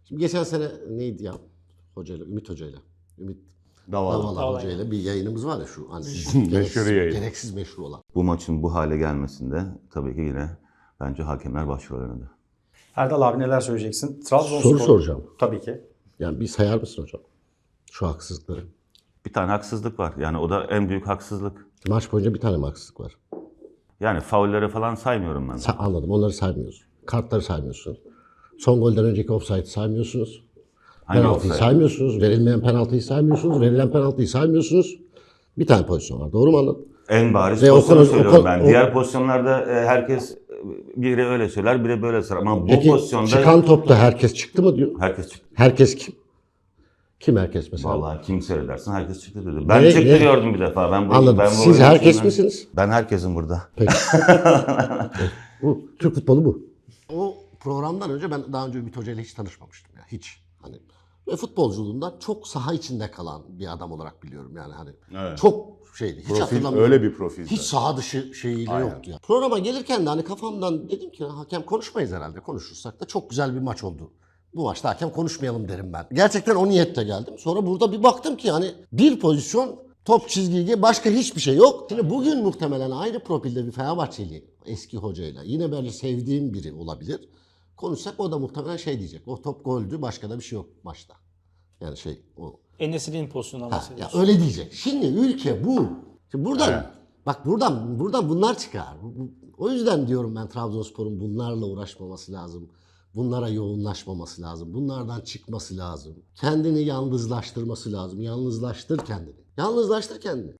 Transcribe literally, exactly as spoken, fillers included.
Şimdi geçen sene neydi ya? Hocayla, Ümit Hocayla. Ümit Davala. Davala Davala. Hocayla bir yayınımız var ya şu hani Meşhur gereksiz, yayın. gereksiz meşhur olan. Bu maçın bu hale gelmesinde tabii ki yine bence hakemler başrol oynadı. Erdal abi neler söyleyeceksin? Trabzonspor. Soru soracağım. Tabii ki. Yani bir sayar mısın hocam? Şu haksızlıkları. Bir tane haksızlık var. Yani o da en büyük haksızlık. Maç boyunca bir tane mi haksızlık var? Yani faulleri falan saymıyorum ben. Sa- anladım. Onları saymıyoruz. Kartları saymıyorsun. Son golden önceki offside'ı saymıyorsunuz. Hangi Penaltıyı offside? saymıyorsunuz. Verilmeyen penaltıyı saymıyorsunuz. Verilen penaltıyı saymıyorsunuz. Bir tane pozisyon var. Doğru mu anladım? En bariz Ve pozisyonu Okan- söylüyorum Okan- ben. o- Diğer pozisyonlarda e, herkes e, biri öyle söyler, biri böyle söyler. Ama bu Peki pozisyonda çıkan topta herkes çıktı mı diyor. herkes çıktı. Herkes kim? Kim herkes mesela? Vallahi kim seyredersin herkes çıktı dedi. Ben Ne- çıktı ne? gördüm bir defa. Ben bu, Anladım. Ben bu Siz oyunun herkes içinden- misiniz? Ben herkesin burada. Peki. Bu Türk futbolu bu. O programdan önce ben daha önce Ümit Hoca ile hiç tanışmamıştım ya hiç. Hani ve futbolculuğundan çok saha içinde kalan bir adam olarak biliyorum yani hani. Evet. Çok şeydi. Hiç Profil, hatırlamıyorum. öyle bir profil. Hiç zaten. saha dışı şeyiyle Aynen. yoktu ya. Programa gelirken de hani kafamdan dedim ki hakem konuşmayız herhalde. Konuşursak da çok güzel bir maç oldu. Bu maçta hakem konuşmayalım derim ben. Gerçekten o niyetle geldim. Sonra burada bir baktım ki hani bir pozisyon top çizgiye başka hiçbir şey yok. Şimdi bugün muhtemelen aynı profilde bir Fenerbahçeli eski hocayla yine böyle sevdiğim biri olabilir. Konuşsak o da muhtemelen şey diyecek. O top goldü başka da bir şey yok maçta. Yani şey o. En-Nesyri'nin pozisyonundan Ha, ya bahsediyorsun. öyle diyecek. Şimdi ülke bu. Şimdi buradan Evet. bak buradan buradan bunlar çıkar. Bu- bu- O yüzden diyorum ben Trabzonspor'un bunlarla uğraşmaması lazım. Bunlara yoğunlaşmaması lazım. Bunlardan çıkması lazım. Kendini yalnızlaştırması lazım. Yalnızlaştır kendini. Yalnızlaştır kendini.